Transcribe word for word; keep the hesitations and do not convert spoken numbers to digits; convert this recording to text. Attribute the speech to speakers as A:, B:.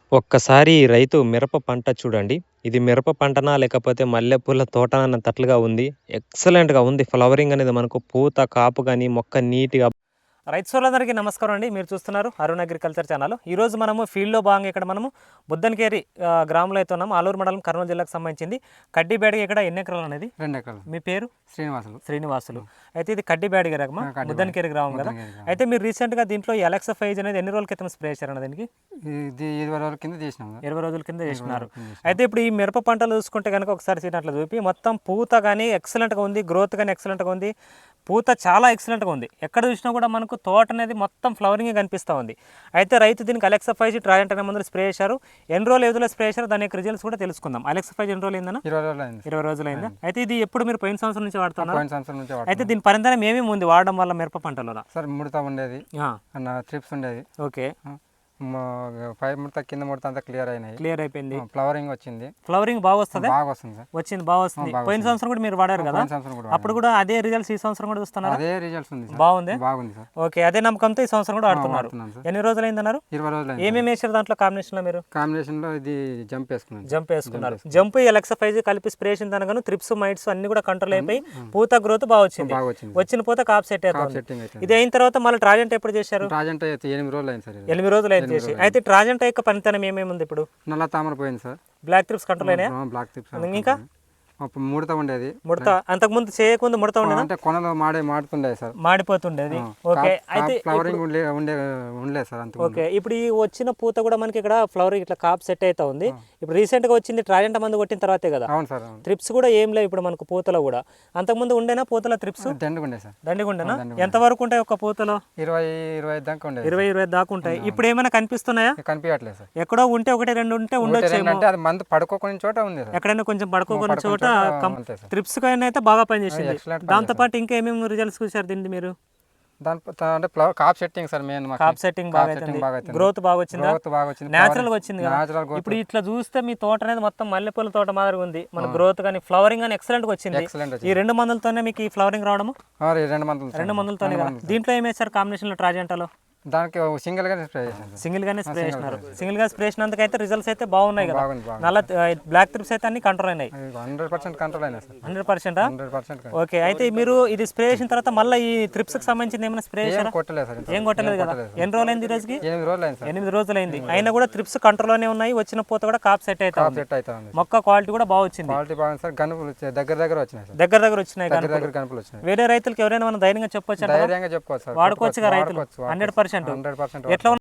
A: ఒక్కసారి ఈ రైతు మిరప పంట చూడండి. ఇది మిరప పంటనా? లేకపోతే మల్లెపూల తోటనా అన్నట్లుగా ఉంది. ఎక్సలెంట్‌గా ఉంది. ఫ్లవరింగ్ అనేది మనకు పూత, కాపు గాని, మొక్క నీట్‌గా రైతు సోదరులందరికీ నమస్కారం అండి. మీరు చూస్తున్నారు అరుణ్ అగ్రికల్చర్ ఛానల్. ఈరోజు మనము ఫీల్డ్‌లో భాగంగా ఇక్కడ మనము బుద్దనకేరి ఆహ్, గ్రామంలో అయితే ఉన్నాము. ఆలూరు మండలం, కర్నూలు జిల్లాకు సంబంధించింది. కడ్డిబేడిగ ఇక్కడ ఎన్ని ఎకరాలు అనేది?
B: రెండు ఎకరాలు.
A: మీ పేరు?
B: శ్రీనివాసులు.
A: శ్రీనివాసులు. అయితే ఇది కడ్డిబేడిగ రకమా?
B: ఆ, కడ్డిబేడిగ.
A: బుద్దనకేరి గ్రామం కదా.
B: బుద్దనకేరి గ్రామం.
A: అయితే మీరు రీసెంట్‌గా దీంట్లో ఈ అలెక్సా ఫైజ్ అనేది ఎన్ని రోజుల క్రితం స్ప్రే చేశారన్న దీనికి?
B: ఇది ఇరవై రోజుల కింద చేసినాం కదా.
A: ఇరవై రోజుల కింద చేసినారు.
B: రోజుల కింద చేసినాం.
A: అయితే ఇప్పుడు ఈ మిరప పంటలు చూసుకుంటే కనుక ఒకసారి సీనట్లు చూపి మొత్తం పూత కానీ ఎక్సలెంట్గా ఉంది, గ్రోత్ కానీ ఎక్సలెంట్గా ఉంది, పూత చాలా ఎక్సలెంట్గా ఉంది. ఎక్కడ చూసినా కూడా మనకు తోట అనేది మొత్తం ఫ్లవరింగ్ కనిపిస్తూ ఉంది. అయితే రైతు దీనికి అలెక్సా ఫైవ్ ట్రాజెంట్ అనే మందులు స్ప్రే చేశారు. ఎన్ని రోజులు ఏదో స్ప్రే చేశారు, దాని యొక్క రిజల్ట్స్ కూడా తెలుసుకుందాం. అలెక్సా ఫైవ్ ఎన్ని రోజులు అయిందన్న?
B: ఇరవై రోజులు అయింది.
A: ఇరవై రోజులు అయిందా? అయితే ఇది ఎప్పుడు మీరు పోయిన సంవత్సరం నుంచి వాడుతున్నారు?
B: పోయిన సంవత్సరం నుంచి
A: అయితే దీని పరిణామం ఏమేమి ఉంది వాడడం వల్ల మిరప పంటలో?
B: సార్ ముడత ఉండేది, అన్న ట్రిప్స్ ఉండేది.
A: ఓకే,
B: మ- పై ముడత కింద ముడత అంతా క్లియర్ అయినాయి.
A: క్లియర్ అయిపోయింది.
B: ఫ్లవరింగ్ వచ్చింది,
A: ఫ్లవరింగ్ బాగా వస్తుంది.
B: బాగా వస్తుంది సార్.
A: వచ్చింది బాగా వస్తుంది.
B: బాగా
A: పోయిన సంవత్సరం కూడా మీరు వాడారు కదా,
B: పోయిన సంవత్సరం కూడా
A: అప్పుడు కూడా అదే రిజల్ట్స్ ఈ సంవత్సరం కూడా చూస్తున్నారు.
B: అదే రిజల్ట్స్ ఉంది సార్.
A: బాగుంది.
B: బాగుంది సార్.
A: ఓకే, అదే నమ్మకంతో ఈ సంవత్సరం కూడా ఆడుతున్నారు.
B: వాడుతున్నాను సార్.
A: ఎన్ని రోజులు అయిందన్నారు?
B: ఇరవై రోజులు అయింది.
A: ఏమేమి వేసారు దాంట్లో కాంబినేషన్ లో మీరు?
B: కాంబినేషన్ లో ఇది జంప్ వేసుకున్నాను.
A: జంప్ వేసుకున్నారు. జంప్ ఎలక్సా ఫైజ్ కలిపి స్ప్రే చేసిన దానిగాను త్రిప్స్, మైట్స్ అన్ని కూడా కంట్రోల్ అయిపోయి పూత గ్రోత్ బాగా వచ్చింది.
B: బాగా వచ్చింది.
A: వచ్చిన పూత కాప్ సెట్
B: కాప్
A: అవుతుంది.
B: సెట్టింగ్ అయితే
A: ఇది అయిన తర్వాత మళ్ళీ ట్రాజెంట్ ఎప్పుడు చేశారు?
B: రాజంట అయితే ఎనిమిది రోజులు అయింది సార్. ఇది.
A: ఎనిమిది రోజులు అయింది చేసి. అయితే ట్రాజెంట్ యొక్క పనితనం ఏమేమి ఉంది ఇప్పుడు?
B: నల్ల తామర పోయింది సార్.
A: బ్లాక్ త్రిప్స్ కంట్రోల్ అయినాయి.
B: బ్లాక్ టిప్స్
A: ఇంకా
B: అప్పుడు ముడత ఉండేది.
A: ముడత అంతకుముందు చేయకముందు ముడత ఉండేనా?
B: అంటే కొనలో మాడే మాడుతుండే సార్.
A: మాడిపోతుండేది. ఓకే, అయితే
B: ఫ్లవరింగ్ ఉండే ఉండే ఉండలేదు సార్ అంత.
A: ఓకే, ఇప్పుడు ఈ వచ్చిన పూత కూడా మనకి ఇక్కడ ఫ్లవరింగ్ ఇట్లా కాప్ సెట్ అవుతా ఉంది. ఇప్పుడు రీసెంట్ గా వచ్చింది ట్రాజెంట్ మందు కొట్టిన తర్వాతే కదా.
B: అవును సార్. అవును.
A: త్రిప్స్ కూడా ఏం లేవు ఇప్పుడు మనకు పూతలో కూడా. అంతకుముందు ఉండేనా పూతల త్రిప్స్?
B: దండుగుండే సార్.
A: దండిగుండేనా? ఎంత వరకు ఉంటాయి ఒక పూతలో?
B: ఇరవై ఇరవై ఐదు దాకా ఉండేది.
A: ఇరవై ఇరవై దాకా ఉంటాయి. ఇప్పుడు ఏమైనా కనిపిస్తున్నాయా?
B: కనిపించట్లేదు సార్.
A: ఎక్కడో ఉంటే ఒకటి రెండు ఉంటే ఉండొచ్చు.
B: అంటే అది మందు పడుకోకునే చోట ఉంది సార్.
A: ఎక్కడైనా కొంచెం పడుకోకున్న చోట
B: అంతే సార్.
A: త్రిప్స్ కైనా అయితే బాగా పనిచేసింది.
B: Excellent
A: దాంతో పాటు ఇంకా ఏమేమి రిజల్ట్స్ చూసారు దీన్ని మీరు?
B: దాని ప- అంటే ఫ్లవర్ కాప్ సెట్టింగ్ సార్ మెయిన్.
A: కాప్ సెట్టింగ్ బాగా అవుతుంది. గ్రోత్ బాగా వచ్చిందా?
B: గ్రోత్ బాగా వచ్చింది.
A: నేచురల్ గా వచ్చింది కదా.
B: Natural growth.
A: ఇప్పుడు ఇట్లా చూస్తే మీ తోట అనేది మొత్తం మల్లెపూల తోట మాదిరిగా ఉంది. మన గ్రోత్ కానీ ఫ్లవరింగ్ కానీ ఎక్సలెంట్ గా వచ్చింది.
B: ఎక్సలెంట్
A: ఈ
B: వచ్చింది.
A: రెండు మందులతోనే మీకు ఈ ఫ్లవరింగ్ రావడము?
B: ఆ, ఈ రెండు మందులు సార్.
A: రెండు మందులతోనే కదా. దీంట్లో ఏం వేశారు కాంబినేషన్ లో ట్రాజెంటాలో?
B: దానికి సింగిల్ గానే స్ప్రే చేశాను సార్.
A: సింగిల్ గానే స్ప్రే చేసినారు. సింగిల్ గా స్ప్రే చేసినందుకైతే రిజల్ట్స్ అయితే బాగున్నాయి కదా.
B: బాగుంది బాగుంది.
A: నల్ల బ్లాక్ త్రిప్స్ అయితే అన్ని కంట్రోల్ అయినాయి.
B: హండ్రెడ్ పర్సెంట్ కంట్రోల్ అయినా sir.
A: Hundred percent
B: hundred percent
A: okay, అయితే మీరు ఇది స్ప్రే చేసిన తర్వాత మళ్ళీ ఈ త్రిప్స్ కి సంబంధించి ఏమైనా స్ప్రే
B: ఏం
A: చేశారా?
B: కొట్టలేదు సార్.
A: ఏం కొట్టలేదు కదా. ఎన్ని రోజులు అయింది ఈ రోజుకి?
B: ఎనిమిది రోజులు అయింది సార్.
A: ఎనిమిది రోజులు అయింది. అయినా కూడా త్రిప్స్ కంట్రోల్ లోనే ఉన్నాయి. వచ్చిన పూత కూడా కాప్ సెట్ అయితే
B: కాప్ సెట్ అవుతా ఉంది.
A: మొక్క క్వాలిటీ కూడా బాగా వచ్చింది.
B: క్వాలిటీ బాగుంది సార్. గనుపులు వచ్చాయి, దగ్గర దగ్గర వచ్చినాయి సార్.
A: దగ్గర దగ్గర వచ్చినాయి.
B: దగ్గర
A: కనుక
B: దగ్గర గనుపులు వచ్చినాయి.
A: వేరే రైతులకి ఎవరైనా మనం ధైర్యంగా చెప్పొచ్చు,
B: ధైర్యంగా చెప్పుకోవచ్చు సార్.
A: వాడుకోవచ్చు కదా రైతులు.
B: వాడుకోవచ్చు,
A: హండ్రెడ్ పర్సెంట్
B: హండ్రెడ్ పర్సెంట్
A: ఎట్లా